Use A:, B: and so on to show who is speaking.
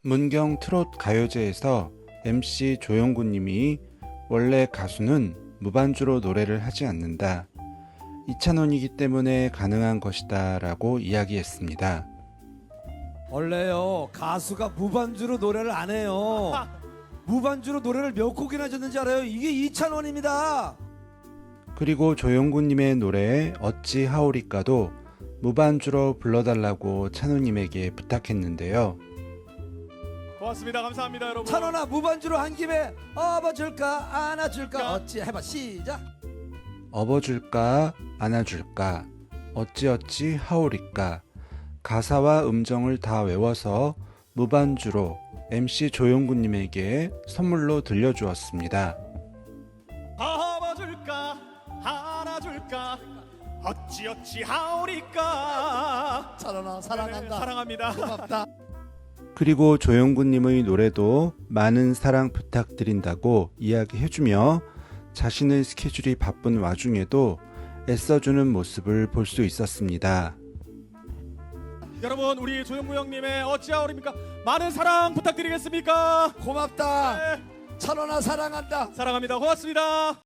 A: 문경 트롯 가요제에서 MC 조영구 님이 원래 가수는 무반주로 노래를 하지 않는다. 이찬원이기 때문에 가능한 것이다 라고 이야기했습니다.
B: 원래요 가수가 무반주로 노래를 안 해요. 무반주로 노래를 몇 곡이나 줬는지 알아요? 이게 이찬원입니다.
A: 그리고 조영구 님의 노래 어찌 하오리까도 무반주로 불러달라고 찬호님에게 부탁했는데요.
C: 고맙습니다. 감사합니다, 여러분.
B: 찬원아 무반주로 한 김에 업어줄까 안아줄까 어찌 해봐 시작.
A: 업어줄까 안아줄까 어찌어찌 하오리까 가사와 음정을 다 외워서 무반주로 MC 조영구 님에게 선물로 들려주었습니다.
C: 업어줄까 안아줄까 어찌어찌 하오리까.
B: 찬원아 사랑한다.
C: 사랑합니다.
B: 고맙다.
A: 그리고 조영구 님의 노래도 많은 사랑 부탁드린다고 이야기해주며 자신의 스케줄이 바쁜 와중에도 애써주는 모습을 볼 수 있었습니다.
C: 여러분, 우리 조영구 형님의 어찌 하오리입니까? 많은 사랑 부탁드리겠습니까?
B: 고맙다.
C: 네,
B: 찬원아 사랑한다.
C: 사랑합니다. 고맙습니다.